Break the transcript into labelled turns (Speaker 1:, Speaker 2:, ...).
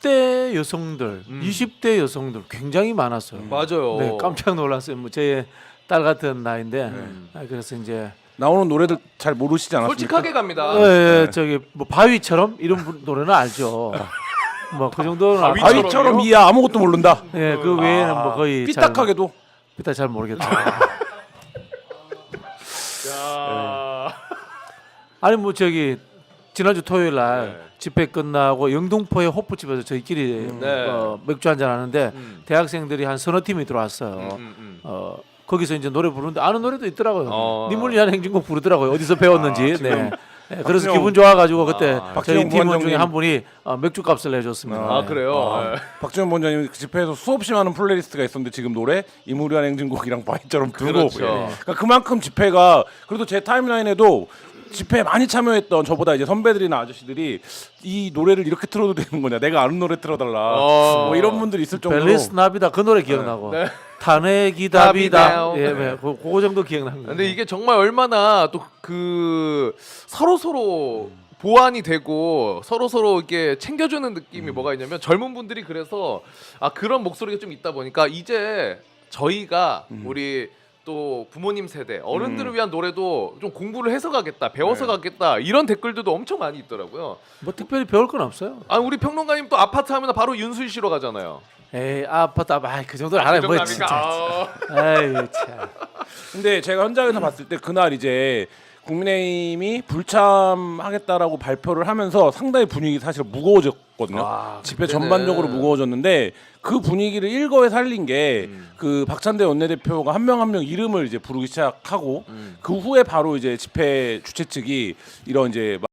Speaker 1: 10대 여성들, 20대 여성들 굉장히 많았어요.
Speaker 2: 맞아요.
Speaker 1: 네, 깜짝 놀랐어요. 뭐 제 딸 같은 나이인데 그래서 이제
Speaker 3: 나오는 노래들 잘 모르시지 않았습니까?
Speaker 2: 솔직하게 갑니다.
Speaker 1: 저기 뭐 바위처럼 이런 노래는 알죠. 뭐 그 정도는 알고.
Speaker 3: 바위처럼 이야 아무것도 모른다.
Speaker 1: 예, 그 외에는 뭐 거의
Speaker 3: 삐딱하게도
Speaker 1: 삐딱 잘 모르겠다.
Speaker 2: 야.
Speaker 1: 아니 뭐 저기 지난주 토요일 날 집회 끝나고 영등포의 호프집에서 저희끼리
Speaker 2: 네.
Speaker 1: 맥주 한잔 하는데 대학생들이 한 서너 팀이 들어왔어요. 거기서 이제 노래 부르는데 아는 노래도 있더라고요. 님을 위한 행진곡 부르더라고요. 어디서 배웠는지. 네. 네, 그래서 기분 좋아가지고 그때 저희
Speaker 3: 박지원
Speaker 1: 팀원 중에
Speaker 3: 부원장님.
Speaker 1: 한 분이 맥주 값을 내줬습니다.
Speaker 2: 아 그래요. 네.
Speaker 3: 박지원 본장님 그 집회에서 수없이 많은 플레이리스트가 있었는데 지금 노래 이무리한 행진곡이랑 바위처럼 두고
Speaker 2: 그렇죠.
Speaker 3: 그러니까 그만큼 집회가 그래도 제 타임라인에도 집회에 많이 참여했던 저보다 이제 선배들이나 아저씨들이 이 노래를 이렇게 틀어도 되는 거냐 내가 아는 노래 틀어달라 뭐 이런 분들이 있을 정도로
Speaker 1: 벨리스 나비다 그 노래 기억나고
Speaker 2: 네.
Speaker 1: 탄핵이다비다
Speaker 2: 답이다.
Speaker 1: 예, 네. 그거 정도 기억나는 거예요.
Speaker 2: 근데 이게 정말 얼마나 또 그 서로 보완이 되고 서로 이렇게 챙겨주는 느낌이 뭐가 있냐면 젊은 분들이 그래서 그런 목소리가 좀 있다 보니까 이제 저희가 우리 또 부모님 세대 어른들을 위한 노래도 좀 공부를 해서 가겠다 배워서 가겠다 이런 댓글들도 엄청 많이 있더라고요.
Speaker 1: 뭐 특별히 배울 건 없어요.
Speaker 2: 우리 평론가님 또 아파트 하면 바로 윤수일 씨로 가잖아요.
Speaker 1: 에이 아파트 그 정도는 알아요. 뭐 진짜. 에이 참.
Speaker 3: 근데 제가 현장에서 봤을 때 그날 이제 국민의힘이 불참하겠다라고 발표를 하면서 상당히 분위기 사실 무거워졌거든요. 집회 전반적으로 무거워졌는데 그 분위기를 일거에 살린 게 그 박찬대 원내대표가 한 명 한 명 이름을 이제 부르기 시작하고 그 후에 바로 이제 집회 주최 측이 이런 이제